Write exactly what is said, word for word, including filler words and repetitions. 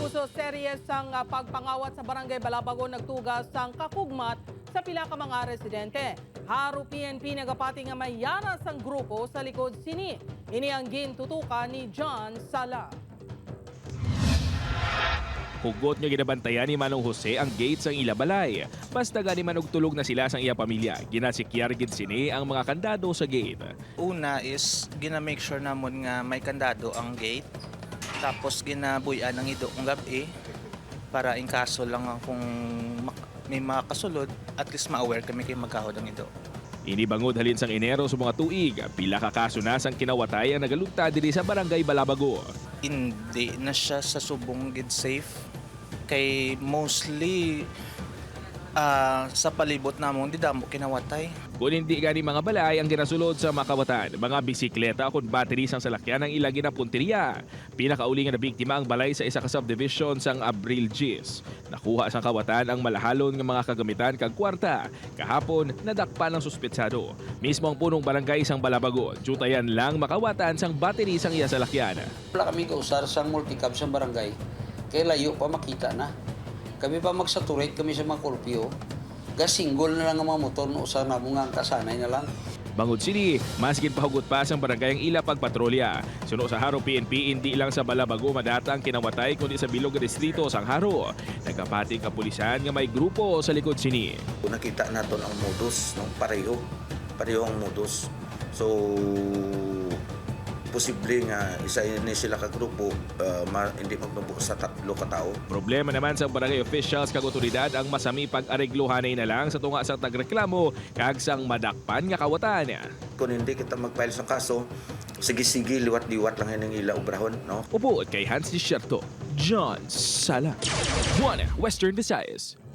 Abuso series sang ah, pagpangawat sa barangay Balabagon nagtugas sang kakugmat sa pila ka mga residente. Haro P N P nagapati nga may yaras ang grupo sa likod sini. Ini ang gintutukan ni John Sala. Hugot nga ginabantayan ni Manong Jose ang gate sang ilabalay. Basta gani manog tulog na sila sang iya pamilya. Ginasikyar gid sini ang mga kandado sa gate. Una is gina-make sure namon nga may kandado ang gate. Tapos ginabuyan ang ido kung gabi para in kaso lang kung may mga kasulod, at least ma-aware kami kay magkahod ang ido. Inibangod halin sang Enero sa mga tuig, pila ka kaso na sang kinawatay ang nagalugta diri sa barangay Balabago. Hindi na siya sa subong gid safe kay mostly ah, sa palibot namon di damo kinawatay. Kung hindi gani mga balay ang ginasulod sa makawatan, mga bisikleta o battery sang salakyan ang ilagi na punteriya. Pinakauli nga na biktima ang balay sa isa ka subdivision sang Abril Gis. Nakuha sang kawatan ang malahalon nga mga kagamitan kag kwarta. Kahapon, nadakpan ng suspetsado. Mismo ang punong barangay sang Balabagon, jutayan lang makawatan sang battery sang iya salakyan. Wala kami kausar sa multicab sa barangay. Kaya layo pa makita na. Kami pa magsaturate kami sa mga kurpyo. Gasinggol na lang ang mga motor no usar na mga kasanay na lang. Bangod sini, maskin pahugot pa sang barangay ang ila pagpatrolya. Suno sa Haro P N P, hindi lang sa Balabago madata ang kinawatay kundi sa bilog nga distrito sang Haro. Nagkapating kapulisan nga may grupo sa likod sini. Kung nakita natin ang modus, no, pareho, pareho ang modus. So, posible nga isa ni sila ka grupo uh, ma, hindi magnubo sa tatlo ka tao. Problema naman sa barangay officials kag otoridad ang masami pag-areglohanay na lang sa tunga sa tagreklamo kag sang madakpan nga kawatan. Kung hindi kita mag-file sa kaso, sige-sige, liwat-liwat lang yan ang ila obrahon, no? Upo kay Hans Desierto, John Sala, One Western Visayas.